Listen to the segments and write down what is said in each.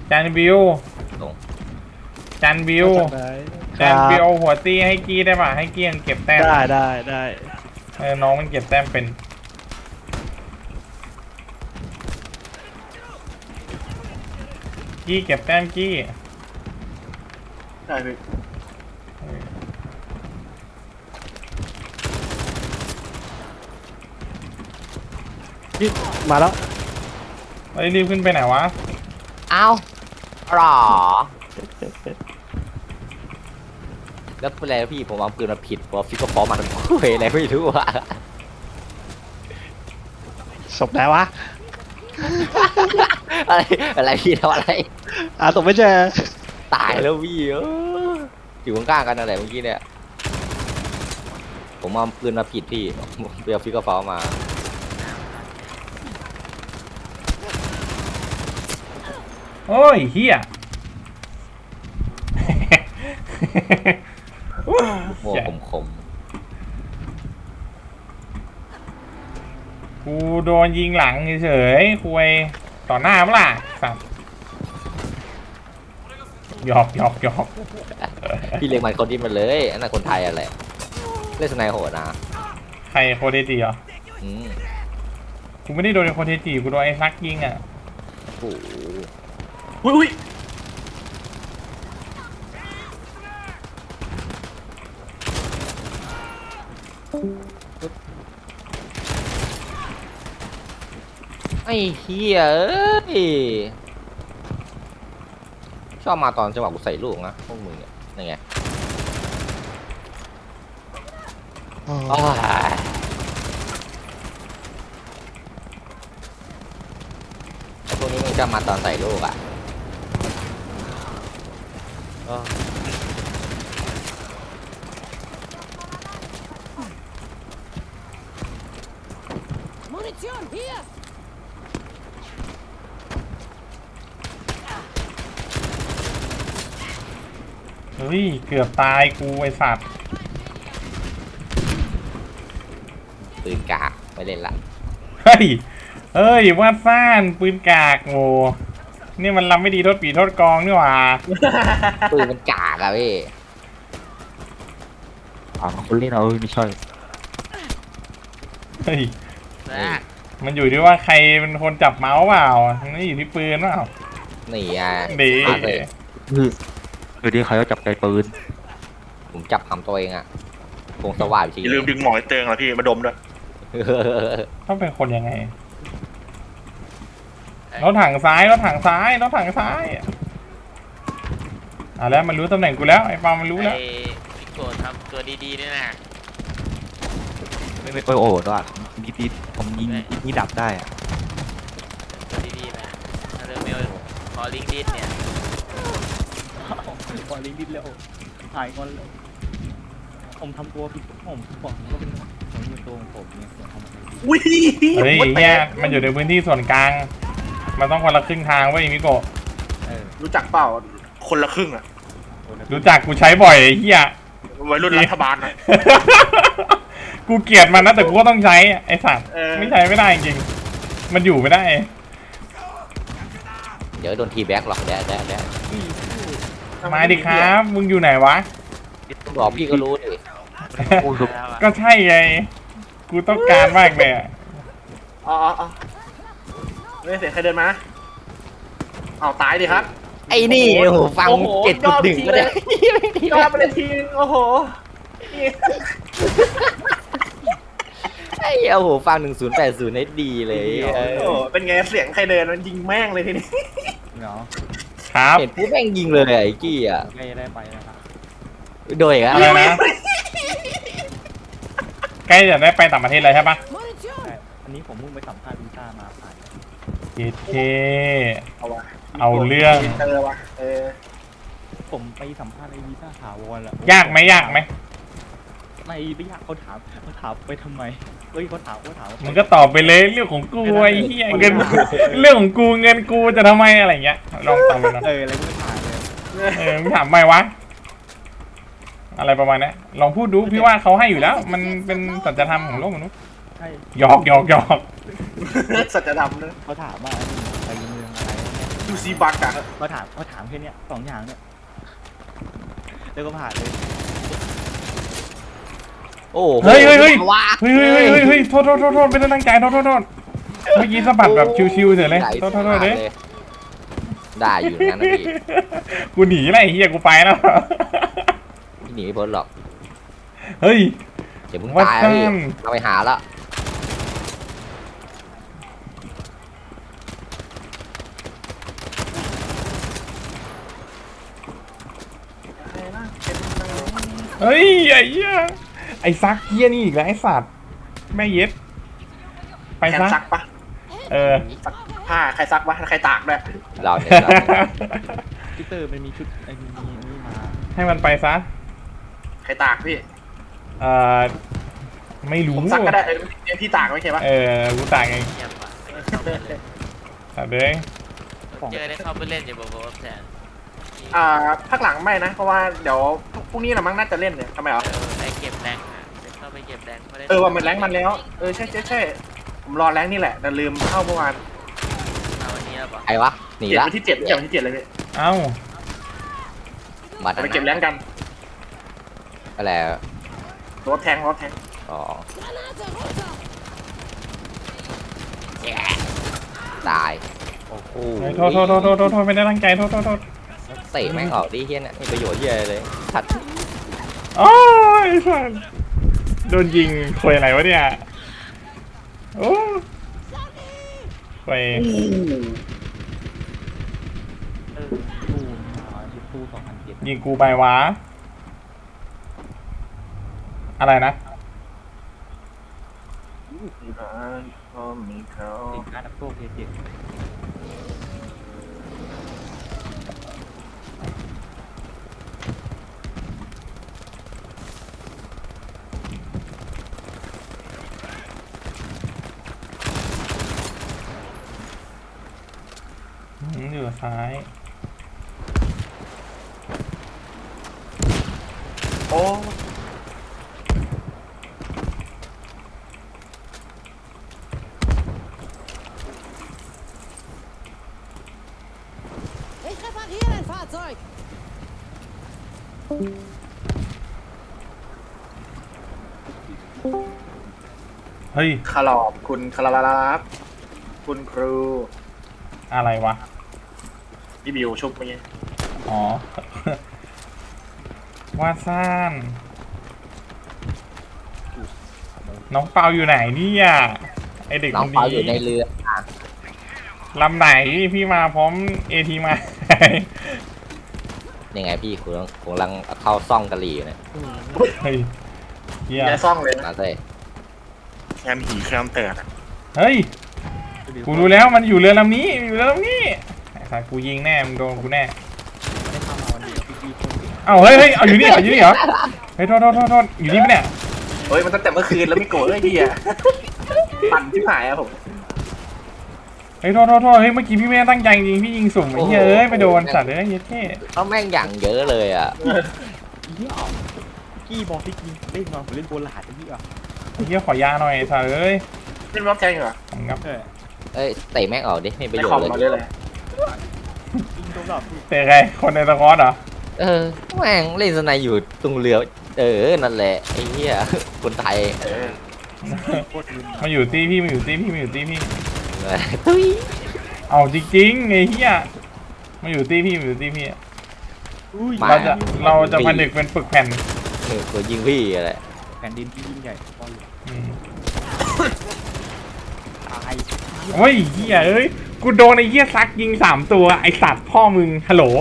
จานบิวลงจานบิวจานบิวเอาหัวตี้ให้กี้ได้ป่ะให้กี้ยังเก็บแต้มได้น้องมันเก็บแต้มเป็นกี้เก็บแต้มกี้ได้พี่นี่มาแล้วเฮ้ยรีบขึ้นไปไหนวะอ้าวหรอแล้วเป็นไรพี่ผมเอาปืนมาผิดพอฟิกก็ฟอร์มาเฮ้ยอะไรไม่รู้อะศพไหนวะอะไรพี่ทำอะไรศพไม่เจอตายแล้วพี่อยู่ข้างๆกันอะไรเมื่อกี้เนี่ยผมเอาปืนมาผิดพี่เปียฟิกก็ฟอร์มาโอ้ยเฮียโม่คมกูโดนยิงหลังเฉยๆคุยต่อหน้าเปล่าสัตว์หยอกๆพี่เลี้ยงมันคนที่มันเลยอันนั้นคนไทยอะไรเล่นสไนโหดนะใครโคเดจิเหรออืมกูไม่ได้โดนโคเดจิกูโดนไอ้ซักยิงอ่ะโอ้โหอุ้ยไอ้เฮียเอ้ยชอบมาตอนจังหวะกูใส่ลูกนะพวกมึงเนี่ยนี่ไงอ้ายไอ้พวกนี้มึงจะมาตอนใส่ลูกอ่ะอ้าว Munition hier! เฮ้ยเกือบตายกูไอ้สัตว์ปืนกากไม่เล่นละเฮ้ยวาดซ่านปืนกากโง่นี่มันลำไม่ดีโทษปีโทษกองนี่หว่าปืนมันกากอะพี่คนเล่นเอาไม่ใช่เฮ้ยมันอยู่ที่ว่าใครเป็นคนจับเมาส์เปล่าไม่อยู่ที่ปืนเปล่านี่อ่ะดีมาเลยคือที่ใครก็จับใจปืนผมจับหำตัวเองอ่ะคงสว่างจริงอย่าลืมดึงหมอยเตืองนะพี่มาดมด้วยต้องเป็นคนยังไงรถถังซ้ายแล้วมันรู้ตำแหน่งกูแล้วไอ้ปามันรู้แล้วไอ้พี่โกรธทำตัวดีๆด้วยนะไม่โอ้ด้วยดีผมยิงนี่ดับได้อะตัวดีๆนะถ้าเริ่มไม่ขอลิงก์ดิสเนี่ยพอลิงดิดแล้วถ่ายก่อนแล้วผมทำตัวผิดผมบอกก็เป็นตัวของผมเนี่ยทำอะไรอุ้ยเฮ้ยเนี่ยมันอยู่ในพื้นที่ส่วนกลางมันต้องคนละครึ่งทางเว้ยมิโกะรู้จักเปล่าคนละครึ่งอ่ะรู้จักกูใช้บ่อยไอ้เหี้ยวัยรุ่นรัฐบาลนะกูเกลียดมันนะแต่กูก็ต้องใช้ไอ้สัตว์เออไม่ใช้ไม่ได้จริงมันอยู่ไม่ได้เดี๋ยวโดนทีแบ็กหรอกแดดมาดิครับมึงอยู่ไหนวะบอกพี่ก็รู้ดิแล้วอะก็ใช่ไงกูต้องการมากเลยอะอ๋อไม่เสียงใครเดินมาเอาตายดิครับไอ้นี่โอ้โหฟังโอ้โห 7.1ก็ได้ยอดไปเลยทีนึงโอ้โหไอ้โอ้โหฟัง1080ให้ดีเลยโอ้โหเป็นไงเสียงใครเดินมันยิงแม่งเลยทีนี้เนาะครับเห็นปุ๊บแม่งยิงเลยไอ้กี้อ่ะใกล้ได้ไปนะครับโดยอ่ะอะไรนะใกล้จะได้ไปต่างประเทศเลยใช่ปะ Munition! อันนี้ผมเพิ่งไปสัมภาษณ์วีซ่ามาผ่านเอเคเอาวะเอาเรื่องเจอวะผมไปสัมภาษณ์ไอ้วีซ่าถาวรแล้วยากไหมไม่ยากเขาถามไปทำไมเขาถามมึงก็ตอบไปเลยเรื่องของกูไอ้เหี้ยเงินเรื่องของกูเงินกูจะทำไมอะไรเงี้ยลองตอบไปนะอะไรก็ไม่ผ่านเลยมึงถามไหมวะอะไรประมาณนี้ลองพูดดูพี่ว่าเขาให้อยู่แล้ว มันเป็นสัจธรรมของโลกมนุษย์ใช่หยอกสัจธรรมนะเขาถามว่าไปเมืองอะไรดูซีบักอะเขาถามแค่เนี้ย2อย่างเนี่ยแล้วก็ผ่านเลยโอ้โหเฮ้ยเฮ้ยเฮ้ยว้าเฮ้ยเฮ้ยโทษไม่ได้ตั้งใจโทษเมื่อกี้สะบัดแบบชิวๆเฉยเลยโทษเลยได้อยู่งั้นนะพี่กูหนีแล้วไอ้เหี้ยกูไปแล้วพี่หนีไม่พ้นหรอกเฮ้ยเดี๋ยวมึงวัดตายแล้วพี่กันเราไปหาละเฮ้ยไอ้เหี้ยไอ้ซักเหี้ยนี่อีกแล้วไอ้สัตว์แม่เย็ดไปแขนซะซักปะเออซักผ้าใครซักวะใครตากด้วยเราเนี่ยเราพีเตอร์มันมีชุดไอ้นี่มาให้มันไปซะใครตากพี่เอ่อไม่รู้ผมซักก็ได้พี่ตากไม่ใช่ปะกูตากเองเงียบว่ะไม่ได้เข้าไปเลยสัตว์เลยเจอได้เข้าไปเล่นอยู่บอกว่าแทนภาคหลังไม่นะ เพราะว่าเดี๋ยวพรุ่งนี้เรามั้งน่าจะเล่นเนี่ยทำไมเหรอไปเก็บแรงอ่ะเข้าไปเก็บแรงไม่ได้ว่ามันแรงมันแล้วใช่ผมรอแรงนี่แหละแต่ลืมเข้าเมื่อวานเอาวันนี้แล้วปะใครวะหนีเจ็ดละวันที่7อย่างวันที่7เลยพี่เอ้าบัตรไปเก็บแรงกันอะไรรถแทงอ๋อ Granate runter! ตายโอ้โหโทษไม่ได้ตั้งใจโทษเตะแม่งออกดิเฮียเนี่ยมีประโยชน์เฮียอะไรเลยชัดโอ้ยสัตว์โดนยิงควยอะไรวะเนี่ยโอ้ควยตู้2007 ยิงกูไปวะอะไรนะมีเขาสินค้าดับโซ่เพจเจ็ดอยู่ซ้ายโอ้ Ich repariere ein Fahrzeug! เฮ้ยคารอบคุณคาราลาบคุณครูอะไรวะพี่บิวชุบเมื่อกี้อ๋อ วาดซ่านน้องเปาอยู่ไหนเนี่ยไอเด็กน้คองนเปาอยู่ในนี้เรือลำไหนพี่มาพร้อมเอทีมายังไงพี่คุณกำลังเข้าซ่องกะหรี่อยู่เนี่ยเฮ้ยเฮียอย่าซ่องเลยนะมาเต้แคมหีแคมเตอร์เฮ้ยกูรู้แล้วมันอยู่เรือลำนี้อยู่เรือลำนี้ไอ้สัสกูยิงแน่มึงโดนกูแน่ได้ทำมาวันนี้พี่คนเดียวเอ้าเฮ้ยเอาอยู่นี่เหรออยู่นี่เหรอเฮ้ยโทษอยู่นี่ปะเนี่ยเฮ้ยมันตั้งแต่เมื่อคืนแล้วไม่โกรธเลยพี่อะปั่นที่หายอะผมเฮ้ยโทษเฮ้ยเมื่อกี้พี่ไม่ได้ตั้งใจจริงพี่ยิงสุ่มไอ้เหี้ยเอ้ยไปโดนสัตว์เลยเหี้ยเท่เขาแม่งอย่างเยอะเลยอ่ะเหี้ยกี้บอกพี่กินเล่นมาผมเล่นโบราณไอ้เหี้ยไอ้เหี้ยขอยาหน่อยสัตว์เอ้ยเป็นรอบแทงเหรอผมงับเอ้ยเตะแม่งออกดิไม่ประในโยชคอมน์มาเลเลย ยยิงตรงหลับพี่เตะใครคนในสควอตเหรอแม่งเล่นสไนอยู่ตรงเรือนั่นแหละไอ้เหี้ยคนไทยโคตรลืมมาอยู่ตีพี่มาอยู่ตีพี่ตุ้ยเอาจริงๆไอ้เหี้ยมาอยู่ตีพี่อุ้ยเราจะผนึกเป็นปึกแผ่นตัวยิงพี่อะไรแผ่นดินที่ยิ่งใหญ่บอลอืมตายเฮ้ยเหี้ยเอ้ยกูโดนไอ้เหี้ยซักยิง3 ตัวไอ้สัตว์พ่อมึงฮัลโหล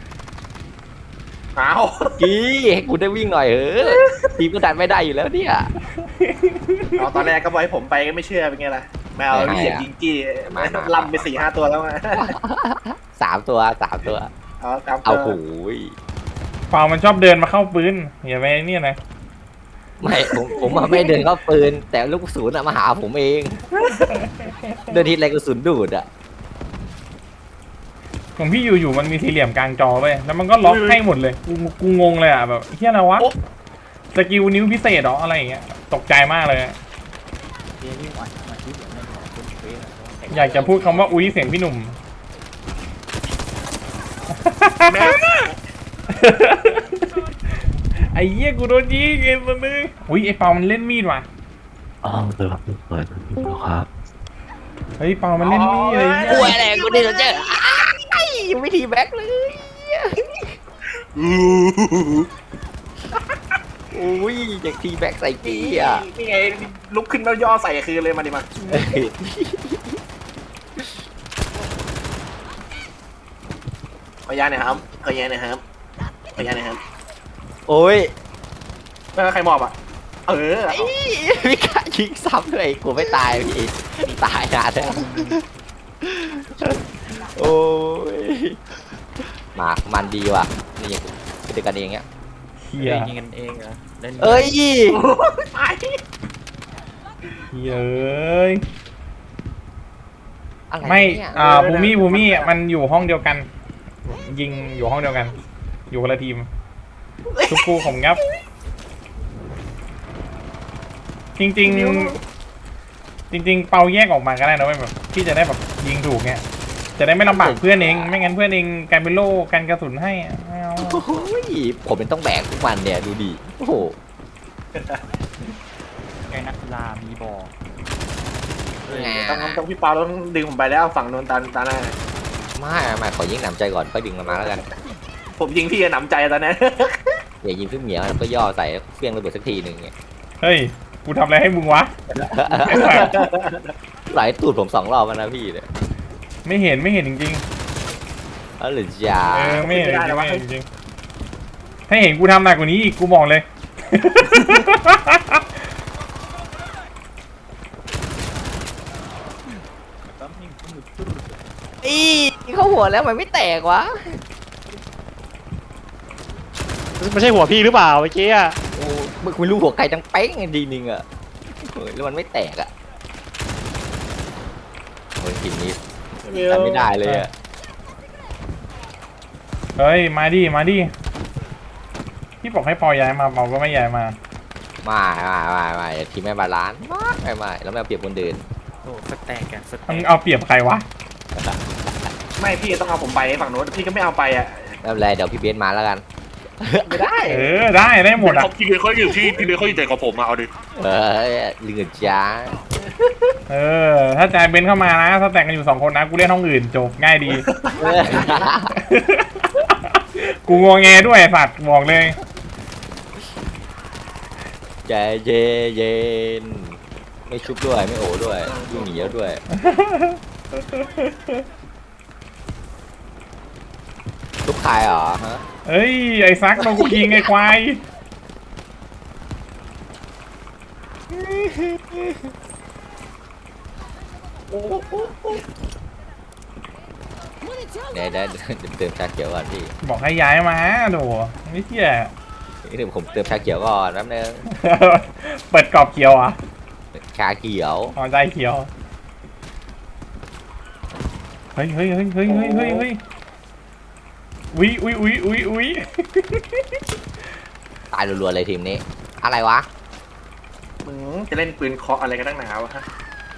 อ้าวกี้ให้กูได้วิ่งหน่อยทีมก็ดันไม่ได้อยู่แล้วเนี่ยเอาตอนแรกก็บอกให้ผมไปก็ไม่เชื่อเป็นไงล่ะแมวเหยียบยิงกี้ลำไป4-5 ตัวแล้วไง 3 ตัวเอาตามเอาตัวโหยเปามันชอบเดินมาเข้าปืนอย่าไปเนี่ยนะไม่ผมไม่เดินเข้าปืน แต่ลูกกระสุนมาหาผมเอง เดินทีไรกระสุนดูดอ่ะของพี่อยู่มันมีสี่เหลี่ยมกลางจอเว้ยแล้วมันก็ล็อกให้หมดเลยกูงงเลยอ่ะแบบเฮียอะไรวะสกิลนิ้วพิเศษเหรออะไรอย่างเงี้ยตกใจมากเลยเดี๋ยวนี่วันมาที่เดี๋ยวไม่บอกคนเฟซอยากจะพูดคำว่าอุ้ยเสียงพี่หนุ่มแม่ไอ้เหี้ยกูโดนยิงไอ้สัสนึงอุ้ยไอ้เปามันเล่นมีดว่ะอ๋อเดี๋ยวครับเปิดครับเฮ้ยเปามันเล่นมีดเลยกูอะไรกูนี่เราเจอไอ้วิธีแบ็คเลยอุ้ยจากทีแบ็คใส่กี้อ่ะนี่ไงลุกขึ้นแล้วย่อใส่คืนเลยมาดิมาขออนุญาตหน่อยครับขออนุญาตหน่อยครับขออนุญาตหน่อยครับโอ้ยใครมอบอ่ะเออพี่กะยิงซ้ำเลยกูไม่ตายพี่ตายนานแล้วโอ้ยมามันดีว่ะนี่ยังเป็นกันเองเนี้ยเหี้ยยิงกันเองเหรอเล่นเอ้ยตายเหี้ยเอ้ยอะไรไม่เนี่ยภูมิมันอยู่ห้องเดียวกัน ยิงอยู่ห้องเดียวกัน อยู่คนละทีมทุกคู่ของงับ จริงๆเปาแยกออกมาก็ได้นะเว้ยแบบที่จะได้แบบยิงถูกเงี้ยจะได้ไม่ลำบากเพื่อนเองไม่งั้นเพื่อนเองกลายเป็นโล่กันกระสุนให้อะไม่เอาโอ้ยผมเป็นต้องแบกทุกวันเนี่ยดูดิโอ้โหไงนักกีฬามีบอลต้องพี่เปาต้องดึงผมไปแล้วฝั่งโนนตาหน้าไม่ขอยิงหนำใจก่อนค่อยดึงมันมาแล้วกันผมยิงพี่หนำใจตอนนั้นอย่ายิงพี่เหมียวแล้วก็ย่อใส่แล้วเฟี้ยงระเบิดสักทีหนึ่งเนี่ยเฮ้ยกูทำอะไรให้มึงวะไอ้สัสหลายตูดผม2 รอบแล้วนะพี่เนี่ยไม่เห็นจริงอ๋อหรือจ้าๆไม่เห็นจริงๆถ้าเห็นกูทำหนักกว่านี้อีกกูบอกเลยอีเข้าหัวแล้วมันไม่แตกวะไม่ใช่หัวพี่หรือเปล่าเมื่อกี้อะโอ้ไม่รู้หัวไก่จังเป้งดีนึงอ่ะโอ้ยแล้วมันไม่แตกอ่ะโอ้ยทีนี้ทำไม่ได้เลยอ่ะเฮ้ยมาดิพี่บอกให้ปอย้ายมาเปาก็ไม่ย้ายมาไม่ทีมไม่บาลานซ์ไม่แล้วไม่เอาเปรียบคนเดินโอ้สแต็กอะสมึแต็งกเอาเปรียบใครวะไม่พี่ต้องเอาผมไปฝั่งโน้นพี่ก็ไม่เอาไปอ่ะไม่เป็นไรเดี๋ยวพี่เบนซ์มาแล้วกันไม่ได้ได้หมดอ่ะพี่เลยเขาอยู่พี่เลยเขาอยู่ใจกับผมมาเอาดิเฮ้ยลืมจ้าถ้าใจเบนเข้ามานะถ้าแต่งกันอยู่2 คนนะกูเล่นห้องอื่นจบง่ายดี กูงอแงด้วยไอ้สัตว์บอกเลยใจเย็นไม่ชุบด้วยไม่โอ้ด้วยวิ่งหนีแล้วด้วยทุกใครเหรอฮะเอ้ยไอ้ซักโดนกูยิงไอ้ควาย Munition เดี๋ยวเติมชาเขียวก่อนพี่บอกให้ย้ายมาโดไม่เชี่ยเดี๋ยวผมเติมชาเขียวก่อนแป๊บนึงเปิดกรอบเขียวอ่ะชาเขียวอ๋อใจเขียวเฮ้ยอุ้ยตายรัวๆเลยทีมนี้ อะไรวะมึงจะเล่นปืนเคาะอะไรกันตั้งหนาวะฮะ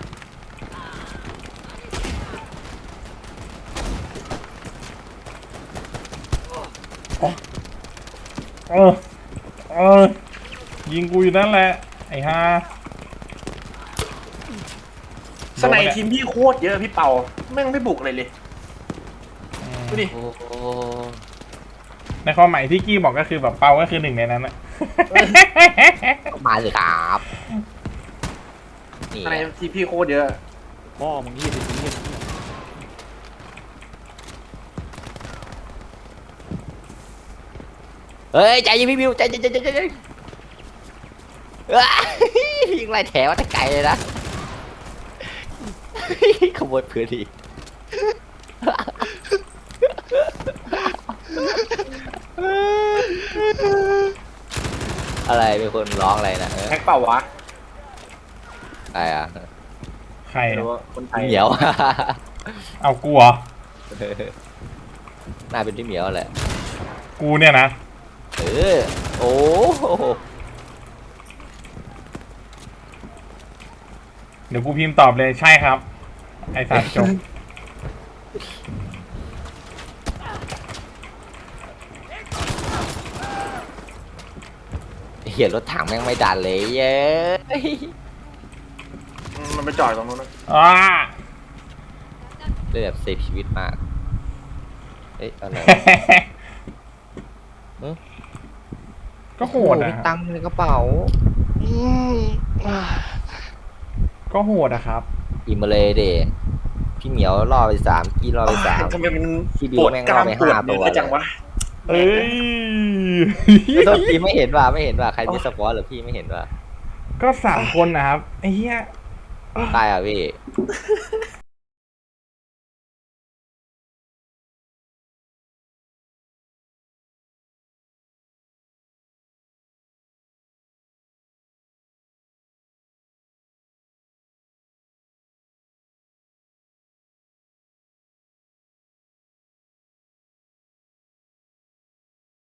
ยิงกูอยู่นั่นแหละไอ้ห่าสไนทีมพี่โคตรเยอะพี่เปาแม่งไม่บุกเลยดูดิโอ้โหในความหมายที่กี้บอกก็คือแบบเปาก็คือหนึ่งในนั้นอะมาเลยครับนี่สไนทีมพี่โคตรเยอะพ่อมึงยี่สิบยี่สิบเฮ้ยใจเย็นพี่บิวใจเย็นยิงไล่แถวแต่ไกลเลยนะขโมยเพื่อนดีอะไรเป็นคนร้องอะไรนะแท็กเปล่าวะอะไรอ่ะใครไม่อะรู้ว่าคนไทยเหมียวเอากูเหรอน่าเป็นพี่เหมียวแหละกูเนี่ยนะโอ้โหเดี๋ยวกูพิมพ์ตอบเลยใช่ครับ ไอ้สัตว์จบเหี้ยรถถังแม่งไม่ดันเลยเย้ยมันไปจอดตรงนู้นนะอ่าเลยแบบเซฟชีวิตมากเอ๊ะอะไรก็โหดมีอะตังค์ในกระเป๋าก็โหดอะครับอิมมาเลยเดพี่เหมียวล่อไป3กี้ล่อไป3 ทำไมมันพี่บิปววดแม่งกล้ามเอาไปปวด 5 เนื้ตัวอจังวะเอ้ยโทษทีไม่เห็นว่าใครมีสปอร์ตหรือพี่ไม่เห็นว่าก็3 คนนะครับไอ้เหี้ยตายอ่ะพี่